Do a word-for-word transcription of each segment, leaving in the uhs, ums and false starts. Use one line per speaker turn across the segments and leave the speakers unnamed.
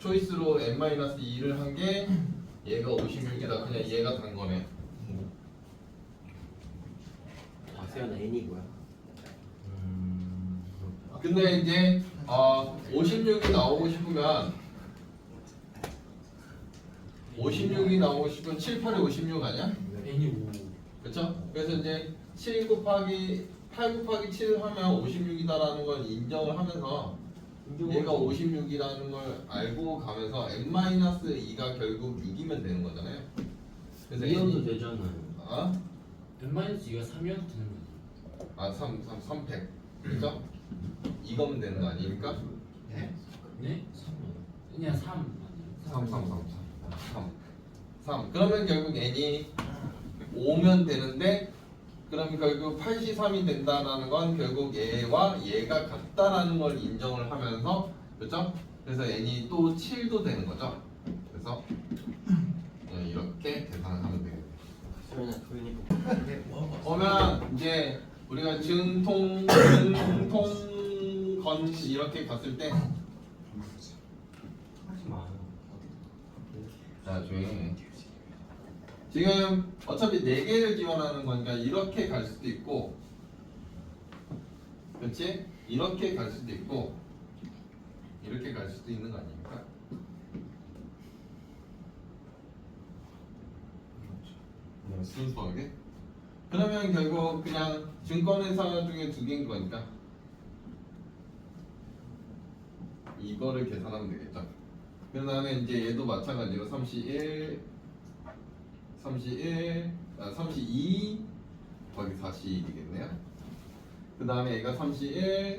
초이스로 엔 마이너스 이를 한 게 얘가 오십육이다. 그냥 얘가 단 거네.
아 세연아 n이 뭐야?
음.
근데 이제 어, 오십육이 나오고 싶으면 오십육이 나오고 싶으면 칠, 팔에 오십육 아니야?
n이 오.
그렇죠? 그래서 이제 칠 곱하기 팔 곱하기 칠 하면 오십육이다라는 걸 인정을 하면서 얘가 오십육이라는 걸 알고 가면서 엔 마이너스 이가 결국 육이면 되는 거잖아요. 그래서
이연도
n이-
되잖아요.
아?
n 마이너스 이가 삼이어도 되는 거지.
아, 삼, 삼, 삼백. 그죠? 이거면 되는 거 아닙니까?
네? 네? 삼이요. 그냥 삼
삼,
아니에요?
삼, 삼, 삼. 삼. 그러면 결국 n이 오면 되는데 그럼 결국 팔십삼이 된다라는 건 결국 얘와 얘가 같다라는 걸 인정을 하면서 그렇죠? 그래서 n이 또 칠도 되는 거죠. 그래서 이렇게 계산을 하면 되겠네요.
세연아 조용히 보.
그러면 이제 우리가 증통 증통 건 이렇게 갔을 때
하지 마.
자 조용히 해. 지금 어차피 네 개를 지원하는 거니까 이렇게 갈 수도 있고 그렇지? 이렇게 갈 수도 있고 이렇게 갈 수도 있는 거 아닙니까? 네, 순수하게 그러면 결국 그냥 증권회사 중에 두 개인 거니까 이거를 계산하면 되겠죠. 그 다음에 이제 얘도 마찬가지로 삼십일 삼십일, 아, 삼십이 곱하기 사십이겠네요. 그 다음에 얘가 삼십일,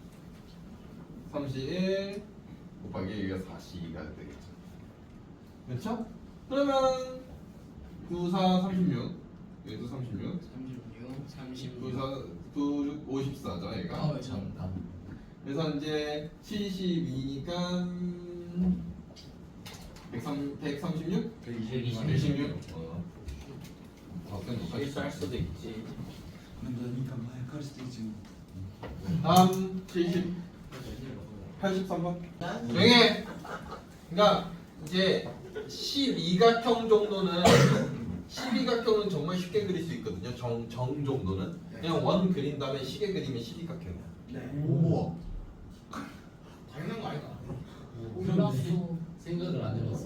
삼십일 곱하기 얘가 사십이가 되겠죠. 그렇죠? 그러면 구사, 삼십육, 얘도 삼십육,
삼십육, 삼십육.
구사, 구, 오십사죠, 얘가.
아, 잠깐.
그래서 이제 칠십이니까 백삼십육? 백이십육? 어.
실수할 수도 있지.
그러니까 마이크할 수도 있지.
다음 칠십, 팔십삼 번. 조용해. 그러니까 이제 십이각형 정도는 십이각형은 정말 쉽게 그릴 수 있거든요. 정, 정 정도는 그냥 원 그린 다음에 시계 그리면 십이각형이야.
네.
오. 당연한 거 아닌가?
생각을 안 해봤어.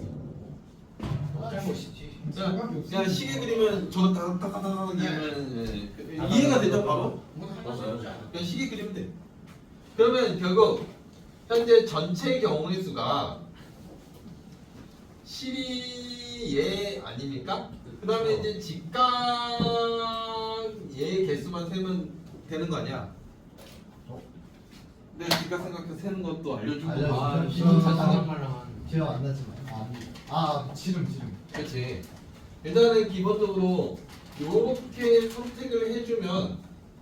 잘못이지.
그냥, 그냥 시계 그리면 저거 다다다다 그리면 이해가 되죠 바로? 그냥 시계 그리면 돼. 그러면 결국 현재 전체 경우의 수가 십이의 아닙니까? 그 다음에 이제 직각의 개수만 세면 되는 거 아니야? 근데 직각 생각해서 세는 것도 알려주고
알려주고.
아,
지금
자상한 말랑
기억 안 나지만 아, 아 지름 지름
그렇지. 일단은 기본적으로 이렇게 선택을 해주면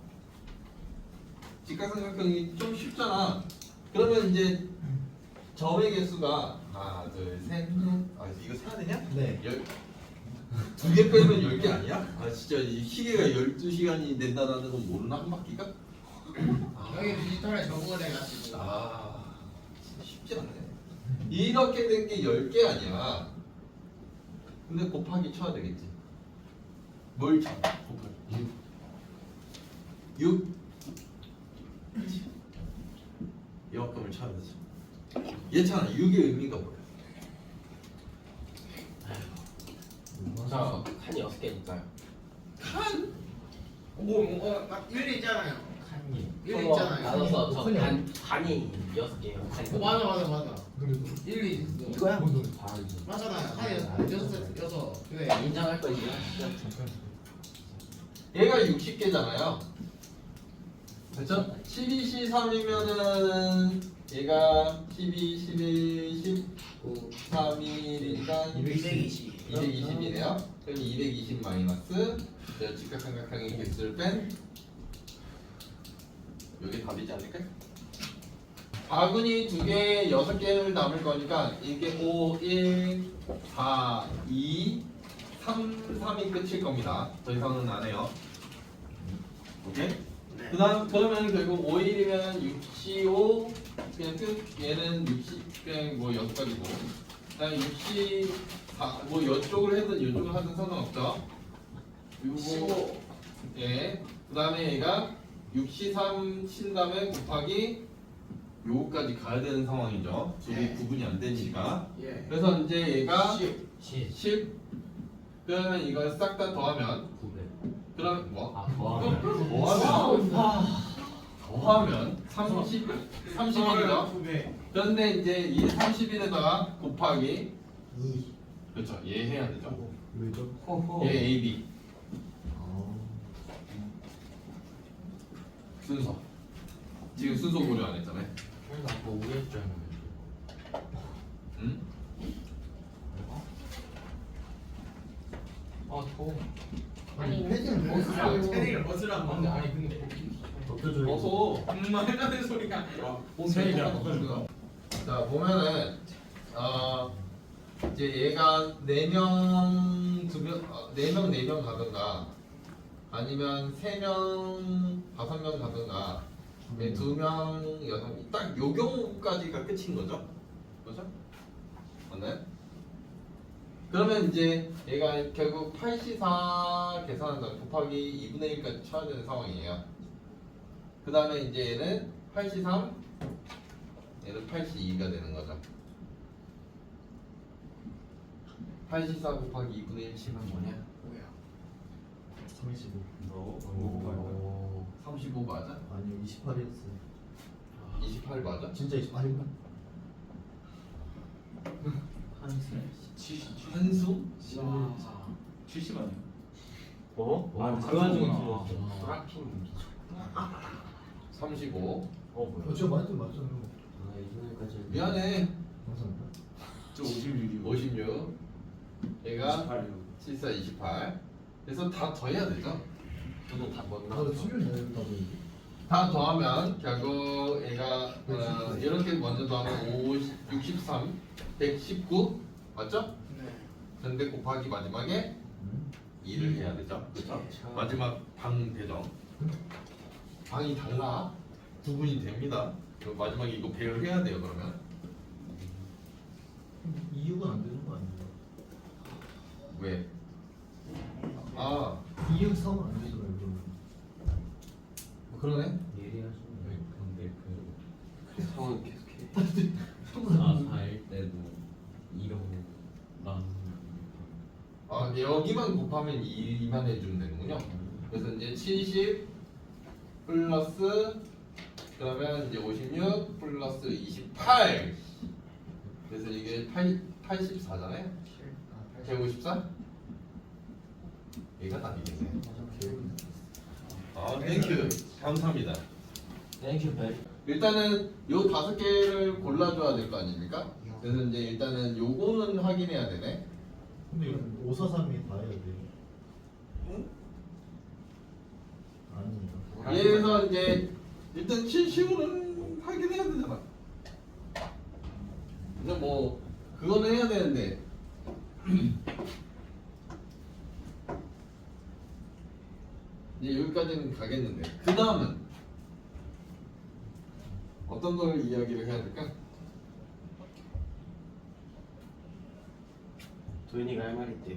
직각삼각형이 좀 쉽잖아. 그러면 이제 점의 개수가 하나, 둘, 셋, 넷. 아 이거 세야 되냐?
네
두 개 빼면 열 개 아니야? 아 진짜 이 시계가 열두 시간이 된다는 건 모르나 한 바퀴가?
여기 디지털에 적응을 해가지고.
아 진짜 쉽지 않네. 이렇게 된 게 열 개 아니야. 근데 곱하기 쳐야 되겠지. 뭘 쳐? 곱하기 육. 이만큼을 쳐야 되죠. 얘잖아. 육의 의미가 뭐야? 자,
칸이 여섯 개니까요.
칸? 뭐, 뭐, 막 일리 있잖아요.
칸이.
일리 있잖아요.
나눠서 저
칸이
반, 반이 여섯 개예요. 칸이.
어, 맞아, 맞아, 맞아.
그래도
일리 있어.
이거야?
뭔 소리 다 알지
맞잖아요. 칸이 여섯 세- 여섯. 그래.
인정할 거 있나?
얘가 육십 개잖아요. 그렇죠? 십이, 십삼이면은 얘가 십이, 십일, 십구, 삼, 일이니까
이백이십.
이백이십이네요. 그럼 이백이십 마이너스 저 직각삼각형의 개수를 뺀 여기 답이지 않을까요? 바구니 두 개, 여섯 개를 남을 거니까 이게 오, 일, 사, 이, 삼, 삼이 끝일 겁니다. 더 이상은 안 해요. 오케이? 그 다음 그러면 결국 오 일이면 육, 오, 그냥 끝. 얘는 육십 그냥 뭐 여섯 가지고. 그다음에 육십사 뭐 이쪽을 하든 이쪽을 하든 상관없죠. 요거 예. 그다음에 얘가 육십삼 친 다음에 곱하기 요거까지 가야 되는 상황이죠. 둘이
예.
구분이 안 되니까.
예.
그래서 이제 얘가
십.
칠.
십. 그러면 이걸 싹 다 더하면
구백.
그럼 뭐?
아 더하면.
더하면 더하면 삼십 삼십이죠.
두 배.
그런데 이제 이 삼십일에다가 곱하기
이.
그렇죠. 얘 해야 되죠.
왜죠?
얘 A, B
아.
순서. 지금 순서 고려 안 했잖아요.
그래서 아까 오일 줄 알았는데.
응?
아 더워.
아니 패딩을
아,
벗으라고.
패딩을 벗으라고.
근데 아니 근데
벗겨줘요.
어서
음, 말도 안 되는 소리가.
팬이랑 자 보면은 어 이제 얘가 네 명 두명네명네 명 가든가 아니면 세 명 다섯 명 가든가 두 명 여섯 명딱요 경우까지가 끝인 거죠, 그렇죠? 맞나요? 그러면 이제 얘가 결국 팔십사 계산한다 곱하기 이분의 일까지 쳐야 되는 상황이에요. 그 다음에 이제 얘는 팔십삼, 얘는 팔십이가 되는 거죠. 팔십사 곱하기 이분의 일 치면 뭐냐?
뭐야?
삼십오.
오, 삼십오 맞아?
아니요 이십팔이었어요.
이십팔 맞아?
진짜 이십팔인가?
한수?
와.
칠십 아니야?
어?
아,
그 와중에
그거구나.
틀렸어.
아.
브라핑 미쳐.
삼십오.
어 뭐야?
어, 제가 맞죠 맞죠.
아 이분까지.
미안해.
감사합니다.
저 오십육이요.
오십육. 얘가
이십팔이요.
칠십사, 이십팔. 그래서 다 더해야 되죠.
저도 다못
아,
나왔어.
수요일 내일다 보이지.
다 더하면 결국 얘가 어, 이렇게 먼저 더하면 오십, 육십삼, 백십구 맞죠?
네.
근데 곱하기 마지막에
음.
이를 해야 되죠. 그렇죠? 마지막 방 배정. 방이 달라. 구분이 됩니다. 그리고 마지막에 이거 배열해야 돼요. 그러면
이육은 안 되는 거 아니에요?
왜? 아
이육 삼은 안 되잖아요. 그러면.
뭐 그러네.
예리하시네. 근데 그
상황 계속해.
사사일 때도 이런 난.
아 여기만 곱하면 이만 해주면 되는군요. 그래서 이제 칠십 플러스 그러면 이제 오십육 플러스 이십팔. 그래서 이게 팔, 팔십사잖아요. 백오십사? 얘가 답이겠네. 아, 땡큐. 감사합니다.
땡큐 백.
일단은 요 다섯 개를 골라줘야 될 거 아닙니까? 그래서 이제 일단은 요거는 확인해야 되네.
근데 이건 오사삼이 다 해야 돼요.
응?
아니에요.
얘에서 이제 일단 칠십으로는 확인해야 되잖아. 근데 뭐 그거는 해야 되는데 이제 여기까지는 가겠는데 그 다음은 어떤 걸 이야기를 해야 될까?
도현이가 할 말 있대.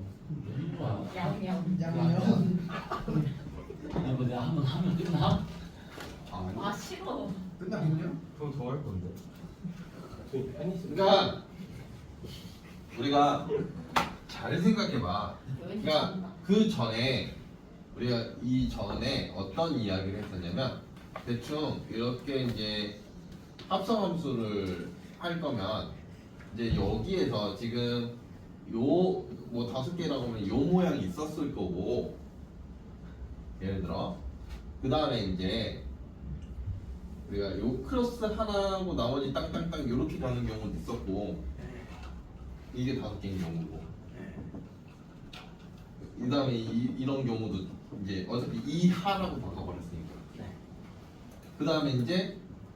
양양.
양양.
이거 내가 한번 하면 끝나?
아 싫어.
끝나긴요?
그럼 더 할 건데. 도현이 아니 있어.
그러니까 우리가 잘 생각해봐. 그러니까 그 전에 우리가 이 전에 어떤 이야기를 했었냐면 대충 이렇게 이제 합성함수를 할 거면 이제 여기에서 지금 요 뭐 다섯 개라고 하면 요 모양이 있었을 거고 예를 들어 그 다음에 이제 우리가 요 크로스 하나하고 나머지 땅땅땅 이렇게 가는 경우도 있었고 이게 다섯 개인 경우고 그 다음에 이, 이런 경우도 이제 어차피 이 하라고 바꿔버렸으니까
네.
그 다음에 이제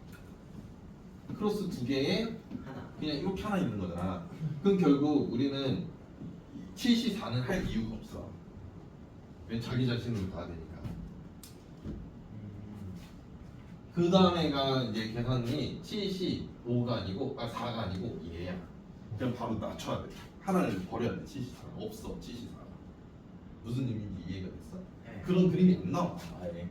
크로스 두 개에
하나.
그냥 이렇게 하나 있는 거잖아. 그럼 결국 우리는 칠십사는 할 이유가 없어. 왜냐면 자기 자신으로 가야 되니까. 그 다음에가 이제 계산이 칠십오가 아니고 아 사가 아니고 얘야. 그럼 바로 낮춰야 돼. 하나를 버려야 돼. 칠십사 없어. 칠십사 무슨 의미인지 이해가 됐어?
네.
그런 그림이 안 나와. 아예.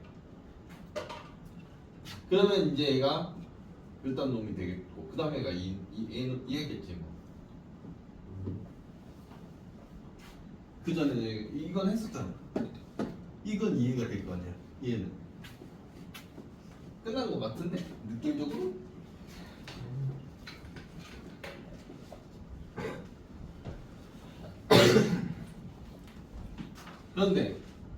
그러면 이제 얘가 일단 놈이 되겠고 그 다음에가 이, 이 얘는 얘겠지 뭐. 그 전에 이건 했었잖아. 이건 이해가 될 거 아니야. 얘는 끝난 거 같은데 느낌적으로. 그런데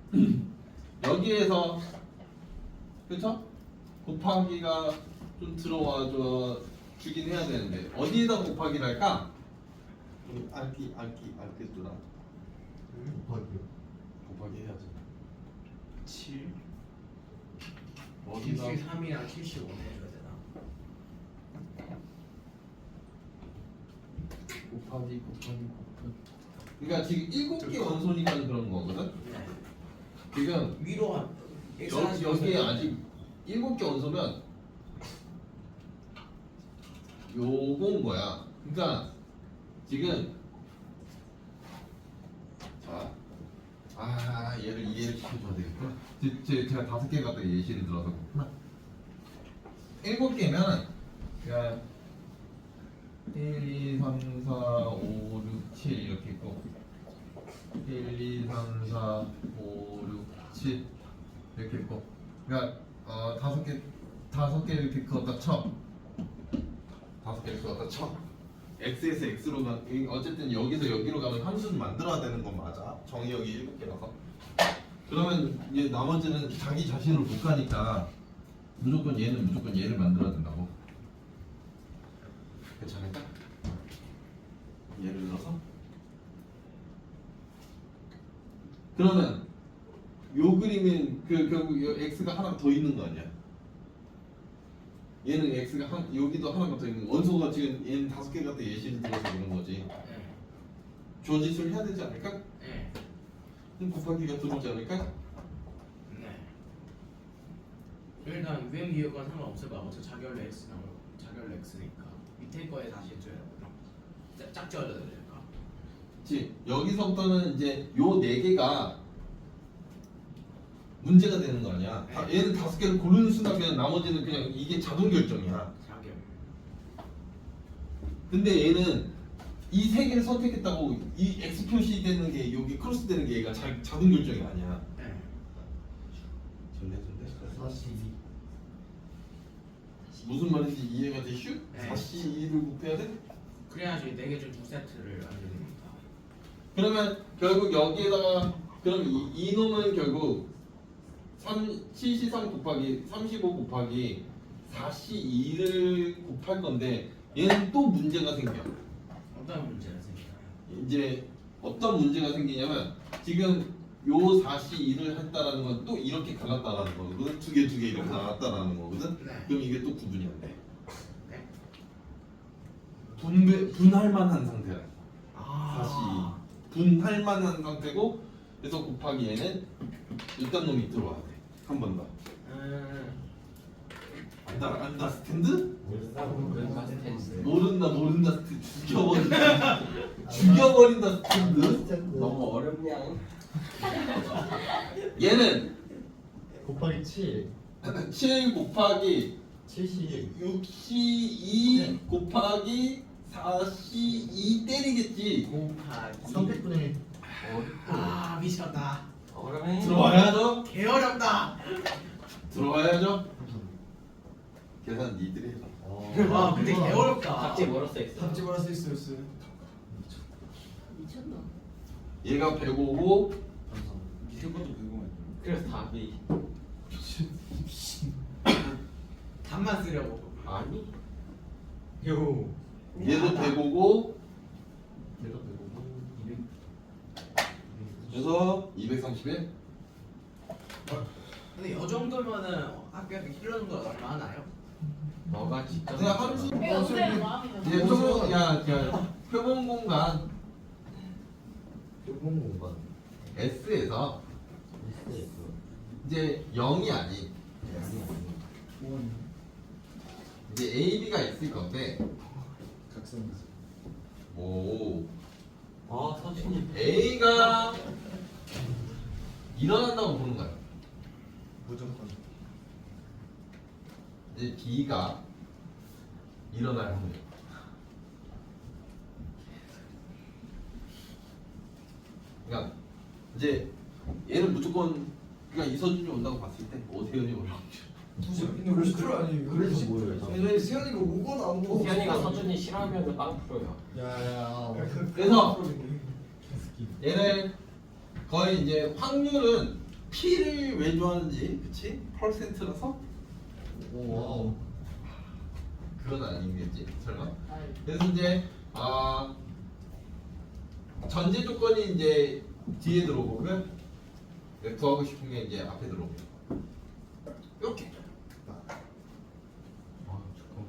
여기에서 그쵸? 곱하기가 좀 들어와줘 주긴 해야 되는데 어디에다 곱하기를 할까? 우리 알기 알기 알겠더라.
곱하기요.
곱하기 해야지.
칠.
어디다
칠십삼이랑 칠십오 해줘야 되나?
곱하기 곱하기 곱하기. 그러니까 지금 일곱 개 원소니까 그런 거거든.
네.
지금
위로 한
여기 여기에 아직 일곱 개 원소면 요건 거야. 그러니까 지금 자, 아 얘를 이해를 시켜줘야 되겠구나. 제, 제, 제가 다섯 개 갖다 예시를 들어서 그렇구나. 일곱 개면 그냥 일, 이, 삼, 사, 오, 육, 칠 이렇게 있고 일, 이, 삼, 사, 오, 육, 칠 이렇게 있고 그러니까 어, 다섯 개 다섯 개 이렇게 그었다 쳐 다섯 개를 그었다 쳐 x에서 x로 가 어쨌든 여기서 여기로 가는 함수는 만들어야 되는 건 맞아. 정의역이 일곱 개라서. 그러면 이제 나머지는 자기 자신을 못 가니까 무조건 얘는 무조건 얘를 만들어야 된다고. 괜찮을까? 예를 들어서 그러면 요 그림은 그 결국 요 x가 하나 더 있는 거 아니야? 얘는 x가 한 여기도 하나가 더 있는 거. 원소가 지금 얘는 다섯 개 갖다 예시를 들어서 그런 거지.
네.
조짓을 해야 되지 않을까?
네.
그럼 곱하기가 들어오지 않을까?
네. 일단 위험 이유건 상관없을 거야. 어차피 자결로 x 나올 자결로 x니까 밑에 거에 다시 해줘야 되나? 짝- 짝지어야 될까?
그치? 여기서부터는 이제 요 네 개가 문제가 되는 거 아니야. 다, 얘는 다섯 개를 고르는 순간 그냥 나머지는 그냥 이게 자동 결정이야.
자결.
근데 얘는 이 세 개를 선택했다고 이 x 표시되는 게 여기 크로스 되는 게 얘가 자, 자동 결정이 아니야.
네.
전래 전래.
사십이.
무슨 말인지 이해가 돼? 슈?
네.
사십이를 곱해야 돼?
그래야지 네 개 중 두 세트를 알게 됩니다.
그러면 결국 여기에다가 그럼 이, 이 놈은 결국 삼, 칠십삼 곱하기 삼십오 곱하기 사십이를 곱할 건데 얘는 또 문제가 생겨.
어떤 문제가 생기나요?
이제 어떤 문제가 생기냐면 지금 요 사십이를 했다라는 건 또 이렇게 갈랐다라는 거거든. 두 개 두 개 이렇게 나왔다라는 거거든.
네.
그럼 이게 또 구분이 안 돼.
네.
분배, 분할 만한 상태야.
아.
사십이 분할 만한 상태고 그래서 곱하기 얘는 일단 놈이 들어와야 돼. 한 번 더.
음.
안다 안다 스탠드?
모른다 스탠스.
모른다 모른다 스탠드 죽여버린다 죽여버린다 스탠드.
너무 어렵냐?
얘는
곱하기 칠.
칠 곱하기
칠십.
육십이 곱하기 사십이 때리겠지.
곱하기.
삼백분의 일.
아 미쳤다.
어렵네.
들어와야죠.
개 어렵다.
들어와야죠. 계산 니들이 해라.
와 근데 개 어렵다.
갑자기 멀었어 있어.
답지 말할 수 있어요.
미쳤나?
얘가 백오고
밑에 것도 궁금해.
그래서 답이
답만 쓰려고.
아니.
요.
얘도 백오고
얘가 되고 이백.
그래서 이백삼십일.
근데 이 정도면은 학교에서 힐러 정도 얼마나요?
너가 직접.
그냥 함수
왜 어때? 마음이
얘
너무
표본 야, 야 표본 공간
표본 공간.
S에서
있어요.
이제 영이 아닌
아니 아니.
이제 A, B가 있을 건데
각성.
오
아 서준이
A가 일어난다고 보는 거야.
무조건.
이제 B가 일어날 확률. 그러니까 이제 얘는 무조건 그러니까 이서준이 온다고 봤을 때 오세현이 올 확률.
근데 왜 그걸 아니에요?
그래서 뭐예요?
왜냐면 수현이가 오거나 안 오고.
수현이가 서준이 싫어하면 빵 풀어요.
야야.
그래서 얘는 거의 이제 확률은 P를 왜 좋아하는지 그치? 퍼센트라서
오.
그건 아니겠지 설마? 그래서 이제 아 전제 조건이 이제 뒤에 들어오고면 구하고 싶은 게 이제 앞에 들어오고 이렇게.
아 잠깐만.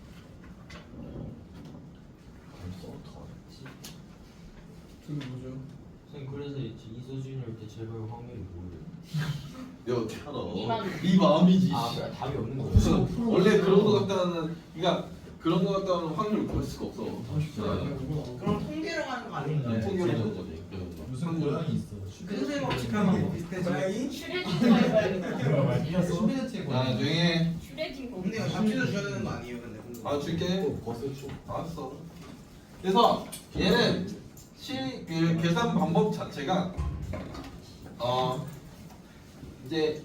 벌써 어떡하지?
그게 뭐죠?
선생님 그래서 이제 이서준이 올 때 제발 확률이 뭐예요?
내가 어떻게 알아?
이 마음이지.
이 마음이지.
아 그러니까 답이 없는 거예요?
무슨 원래 그런 거 같다는 그러니까 그런 거 같다는 확률을 구할 수가 없어.
그럼 통계로 가는 거 아니에요?
네, 통계로 보는 거지. 그런 거.
무슨 고양이 있어?
근소의 법칙하고 비슷해져.
슈레딩 거 해봐야겠다.
슈베르트의
아 조용히 해.
슈레딩 거.
근데 이거 잡지도 줘야 되는 거 아니에요? 근데
아 줄게.
벌써 줘.
알았어. 그래서 얘는 실 그 계산 방법 자체가 어 이제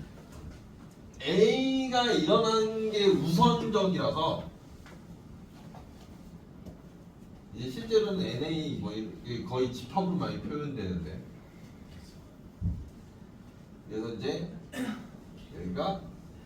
A가 일어난 게 우선적이라서 이제 실제로는 엔에이 뭐 이렇게 거의 집합으로 많이 표현되는데 그래서 이제 여기가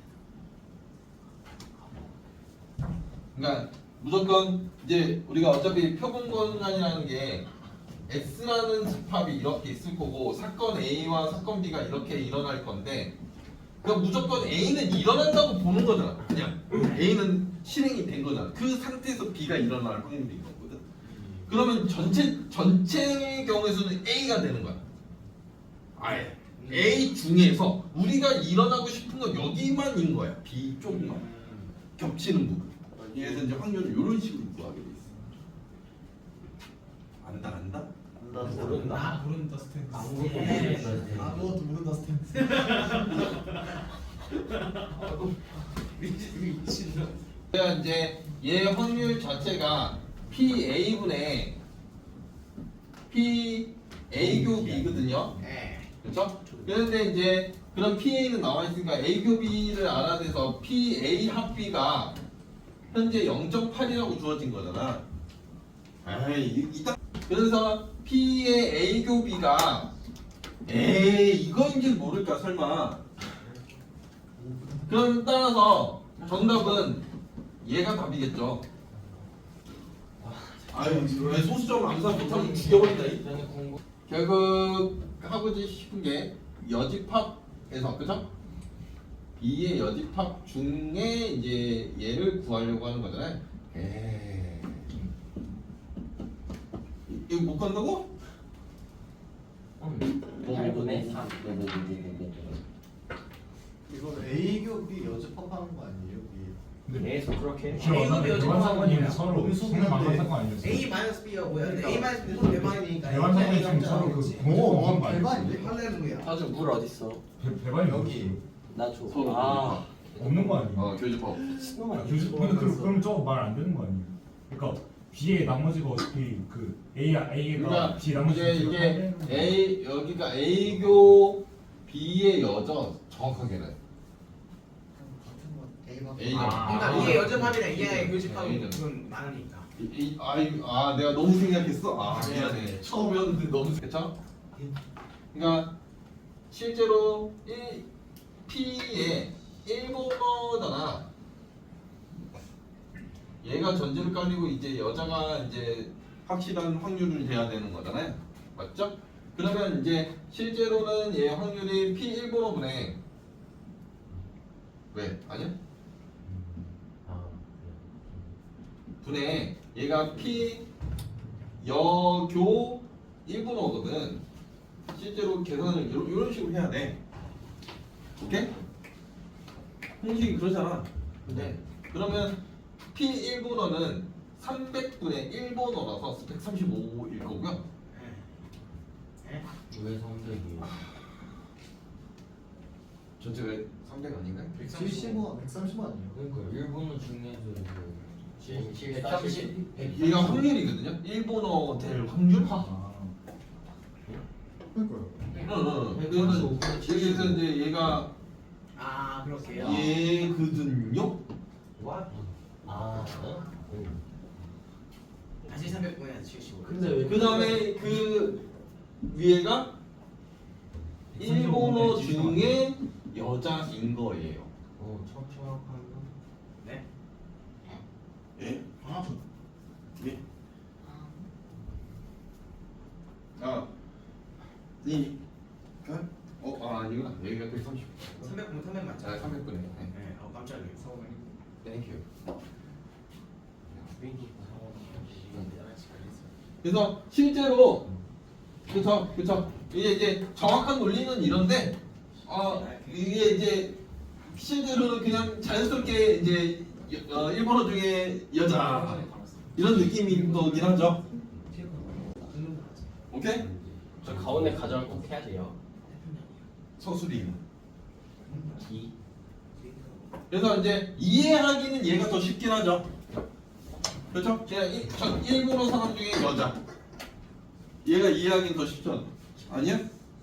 그러니까 무조건 이제 우리가 어차피 표본 공간이라는 게 X라는 집합이 이렇게 있을 거고 사건 A와 사건 B가 이렇게 일어날 건데 그러니까 무조건 A는 일어난다고 보는 거잖아. 그냥 A는 실행이 된 거잖아. 그 상태에서 B가 일어날 확률이 있는 거거든. 그러면 전체 전체의 경우에서는 A가 되는 거야. 아예 A 중에서 우리가 일어나고 싶은 건 여기만인 거야. B 쪽만 겹치는 부분. 그래서 이제 확률을 이런 식으로 구하게 돼 있어. 안다 안다?
나 모른다.
아 모른다 스탠스.
아무것도
네.
모르겠다.
아무것도 모른다 스탠스.
미친놈.
그러니까 이제 얘 확률 자체가 P-A분의 P-A 교 B거든요.
네.
그렇죠? 그런데 이제 그런 P-A는 나와 있으니까 A 교 B를 알아내서 P-A 합 B가 현재 영 점 팔이라고 주어진 거잖아. 에이 이따 그래서 P의 A 교 B가 에이 이거인지 모를까 설마. 그럼 따라서 정답은 얘가 답이겠죠. 아유 왜 소수점 암산 못하면 죽여버린다. 이.
저는 공부.
결국 하고 싶은 게 여집합에서 그죠? B의 여집합 중에 이제 얘를 구하려고 하는 거잖아요. 에이. 이거 못 간다고?
음. 팔분의 삼.
이거 A 교비 여집합하는 거 아니에요?
계속 그렇게.
A급이 요즘
대환상관이 서로 성능 만만한 거 아니었어요?
A 마이너스 B가 뭐야? 근데 A 마이너스 B는 대박이니까.
대환상관이 지금 서로 그 공허한 거 아니었어요?
대박인데?
할렐루야.
사준 물 어딨어?
배- 배반이
여기.
나 줘.
서로
아.
없는 거 아니에요?
어 교집합.
신놈아.
교수 근데 그, 그럼 저거 말 안 되는 거 아니에요? 그러니까 B의 나머지가 어차피 그 A야 A가
그러니까
B 나머지
이제 이게 A 여기가 A 교 B의 여죠 정확하게는 A 가
그러니까
아.
이게 여접합이랑 이게
A는.
교집합이
A는.
그건 많으니까.
이, 이, 아이, 아 내가 너무 생각했어. 아 미안해. 처음이었는데 너무 그쵸? 그러니까 실제로 일 P의 일본어잖아. 얘가 전제를 깔리고 이제 여자가 이제 확실한 확률을 돼야 되는 거잖아요. 맞죠? 그러면 이제 실제로는 얘 확률이 P 일본어분의 왜? 아니야?
아.
분의 얘가 P 여교 일본어거든. 실제로 계산을 이런, 이런 식으로 해야 돼. 오케이? 공식이 그러잖아. 근데 그러면 P 일 분원은 삼백분의 일 번호라서 백삼십오일 거고요.
왜 삼백이에요?
전체가 삼백 아닌가요?
칠십오, 백삼십오 아니에요?
그러니까 일본어 중에서 이거
백삼십.
얘가 확률이거든요. 일 번호 될 확률?
아,
그러니까요.
응, 응. 그래서 여기서 이제 얘가
아 그렇게요.
얘거든요.
What? 아, 어?
다시 삼백분의 칠십오.
근데 왜
그 다음에 그 위에가 일 번호 중에 여자인 거예요.
어, 참 정확한가?
네?
예?
아
예? 아, 이, 그, 어, 아, 아니구나. 여기가 백삼십.
삼백분 삼백 맞죠?
아, 삼백분에. 네.
네. 어 깜짝이야.
땡큐.
시간
그래서 실제로 그쵸 그쵸 이게 이제 정확한 논리는 이런데 어 이게 이제 실제로는 그냥 자연스럽게 이제 여- 어, 일본어 중에 여자 이런 느낌인 거긴 하죠. 오케이?
저 가운데 가정을 꼭 해야 돼요.
서술이.
기?
그래서 이제 이해하기는 얘가 더 쉽긴 하죠. 그렇죠? 그냥 일, 전 일본어 사람 중에 여자. 얘가 이해하기는 더 쉽죠. 아니야?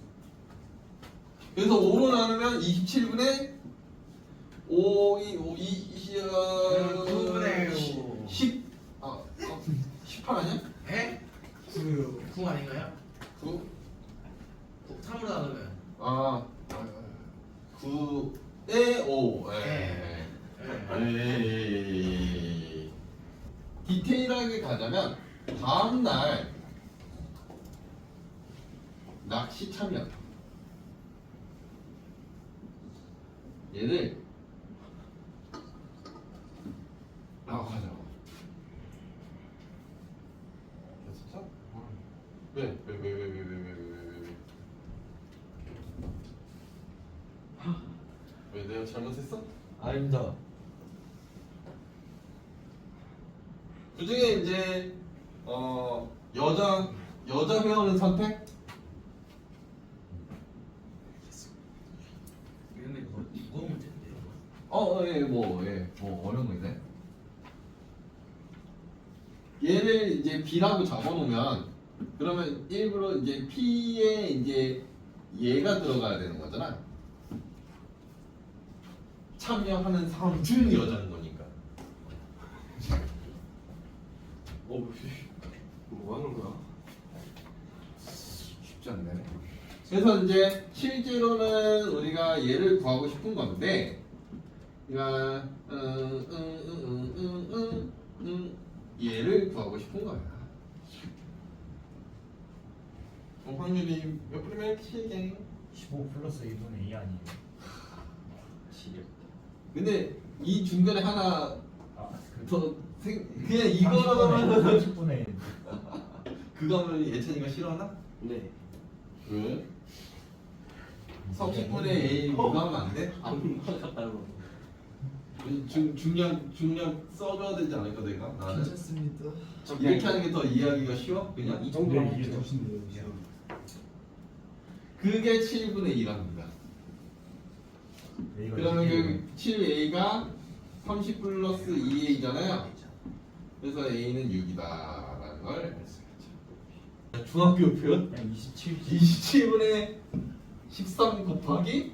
그래서 오로 나누면 이십칠 분의 오, 이, 오, 이, 이, 어,
구 분의 오.
십, 아, 어, 십팔 아니야?
에?
구요.
구 아닌가요?
구,
삼으로 나누면.
아, 구에 오. 예. 에이. 디테일하게 가자면 다음 날 낚시 참여 얘를 라고 하자고. 됐어? 왜? 왜? 왜? 왜? 왜? 왜? 왜? 왜? 왜? 왜? 왜 내가 잘못했어?
아닙니다.
그 중에 이제 어 여자 여자 회원은 선택?
이런 게 뭐, 이거 문제인데요.
어, 예, 뭐, 예, 뭐 어려운 거 있네. 얘를 이제 B라고 적어놓으면 그러면 일부러 이제 P에 이제 얘가 들어가야 되는 거잖아. 참여하는 사람 중 여자인 거니까.
어, 뭐 하는 거야?
쉽지 않네. 그래서 이제 실제로는 우리가 얘를 구하고 싶은 건데, 그러니까 음, 음, 음, 음, 음, 음, 얘를 구하고 싶은 거야. 어, 확률이 몇 프로면 칠개.
십오 플러스 일 분의 이 아니에요?
지겹다.
근데 이 중간에 하나
아, 그
더 생, 그냥 이거는
삼십 분의
그거 하면 예찬이가 싫어하나?
네.
왜? 삼십분의 A 그거 하면 안 돼?
안 받았다고.
중, 중량 중량 써줘야 되지 않을까 내가? 나는
괜찮습니다.
이렇게 하는 게 더 이해하기가 쉬워? 그냥
이 정도면
네, 이게
하죠.
더신데요.
그게 칠분의 이랍니다. 그러면 그 칠 에이가 삼십 플러스 이 에이잖아요. 그래서 A는 육이다라는 걸 알 수 있죠. 중학교 표현
그냥 이십칠.
이십칠분의 십삼 곱하기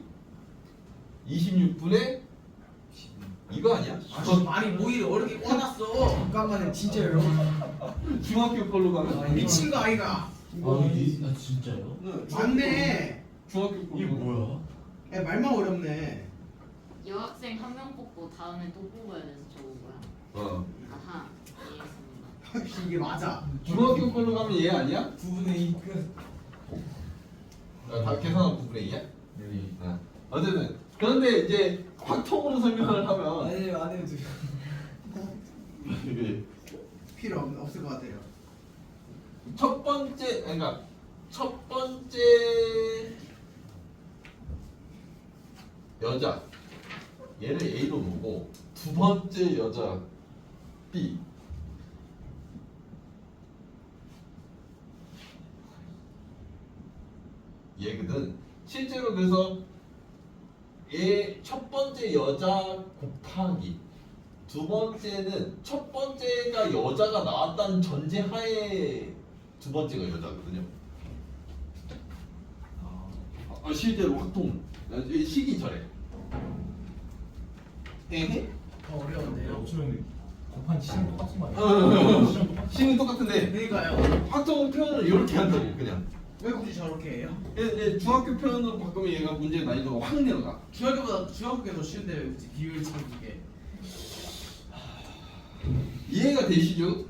이십육분의 이거 아니야?
아, 저 많이 모의를 어렵게 꽂았어.
잠깐만요, 진짜 여러분.
중학교 걸로 가면
미친 거 아이가?
아, 이, 아 진짜요?
네,
맞네.
중학교 걸로
이게 뭐야?
야, 말만 어렵네.
여학생 한 명 뽑고 다음에 또 뽑아야 돼서 적은 거야.
어
아하, 이해했습니다.
이게 맞아.
중학교 걸로 가면 얘 아니야?
구분의 이 끝.
아, 다 계산한 부분의 이야? 네. 아, 어쨌든 그런데 이제 확통으로 설명을 하면
아니 안 해도 돼요.
이게
필요 없, 없을 것 같아요.
첫 번째 그러니까 첫 번째 여자 얘를 A로 놓고 두 번째 여자 B 얘거든. 실제로 그래서 얘 첫 번째 여자 곱하기 두 번째는 첫 번째가 여자가 나왔다는 전제하에 두 번째가 여자거든요. 아, 실제로 확통 시기 절에. 에헤?
더 어려운데요.
어쩌면 곱한 시간 똑같은 거 아니야?
어, 시는 똑같은데
그러니까요.
확통 표현을 이렇게 한다고 그냥.
왜 굳이 저렇게 해요?
이제 중학교 표현으로 바꾸면 얘가 문제 난이도가 확 내려가.
중학교보다 중학교가 더 쉬운데 왜 굳이 비율 찾기게?
이해가 되시죠?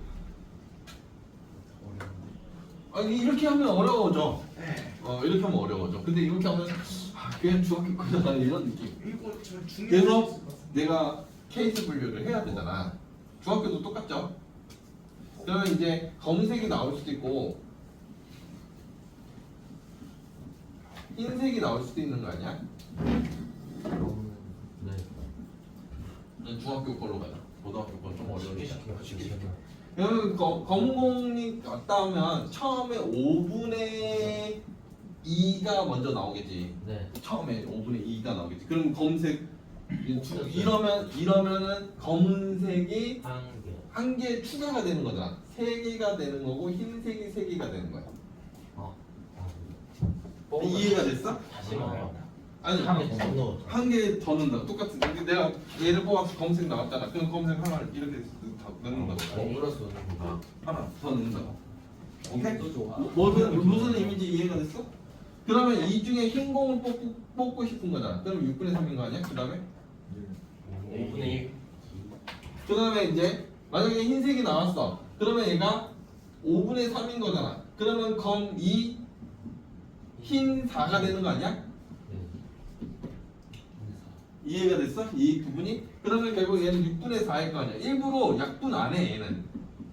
아니 이렇게 하면 어려워져.
네.
어 이렇게 하면 어려워져. 근데 이렇게 하면 아, 그냥 중학교 거잖아 이런 느낌.
이거 저 중요.
그래서 내가 케이스 분류를 해야 되잖아. 중학교도 똑같죠? 그러면 이제 검은색이 나올 수도 있고 흰색이 나올 수도 있는 거 아니야?
네.
중학교 걸로 가자. 고등학교 건 좀 어려우니까.
쉽게
그러면 거- 검은 공이 왔다 하면 처음에 오분의 이가 먼저 나오겠지.
네.
처음에 오분의 이가 나오겠지. 그럼 검은색 이 두- 이러면 이러면은 검은색이
한 개.
한 개 추가가 되는 거잖아. 세 개가 되는 거고 흰색이 세 개가 되는 거야.
어.
이해가 됐어?
다시 말해요.
아니
한개더 넣어.
한 개 더 넣는다. 똑같은. 근데 내가 얘를 뽑아서 검은색 나왔잖아. 그럼 검은색 하나를 이렇게 더 넣는 거다.
덩그러서 넣는 거.
하나 더 넣는다. 오케이?
또 좋아.
무슨 무슨 의미인지 이해가 됐어? 그러면 이 중에 흰 공을 뽑고, 뽑고 싶은 거잖아. 그럼 육분의 삼인 거 아니야? 그 다음에
오분의 일.
그 다음에 이제 만약에 흰색이 나왔어. 그러면 얘가 오분의 삼인 거잖아. 그러면 검 이 흰 사가 되는 거 아니야?
네.
이해가 됐어? 이 부분이? 그러면 결국 얘는 육분의 사일 거 아니야. 일부러 약분 안 해 얘는.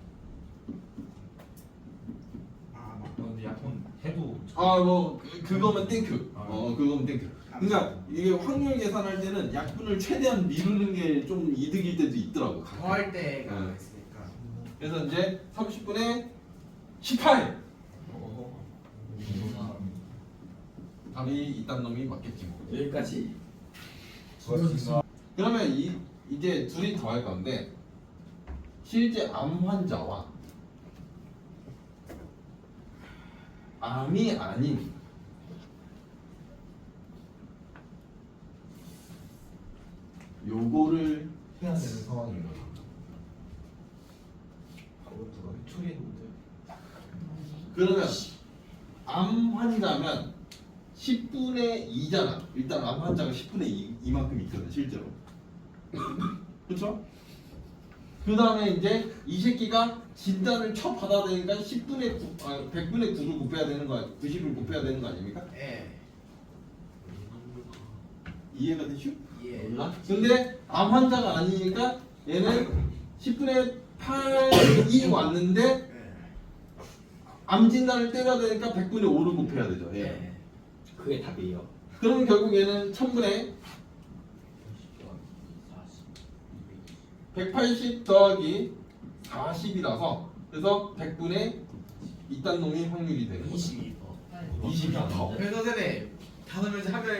아, 막.
근데 약간 해도
아뭐 그거면 땡큐. 어 그거면 땡큐. 그러니까 이게 확률 계산할 때는 약분을 최대한 미루는 게 좀 이득일 때도 있더라고. 가끔.
더할 때가
응.
있으니까.
그래서 이제 삼십 분에 십팔. 답이 이딴 놈이 맞겠지 뭐.
여기까지.
그러면 이 이제 둘이 더 할 건데 실제 암 환자와 암이 아닌 요거를 해야 되는 상황인 거예요.
방금 누가 회초리했는데.
그러면 암 환자면 십분의 이잖아. 일단 암 환자가 십분의 이, 이만큼 있거든 실제로. 그렇죠? 그 다음에 이제 이 새끼가 진단을 쳐 받아야 되니까 십분의 구, 아, 백분의 구를 곱해야 되는 거, 구십을 곱해야 되는 거 아닙니까?
예.
이해가 되슈?
예.
몰라? 근데 암 환자가 아니니까 얘는 십분의 팔이 왔는데
예.
암 진단을 때려야 되니까 백분의 오를 곱해야 되죠. 예.
예.
그게 답이에요.
그러면 결국 얘는 천분의 백팔십 더하기 사십이라서 그래서 백분의 이딴 놈이 확률이 되는 거죠.
이십이 퍼센트.
이십이 더.
그래서 선생님 다섯 명째 하면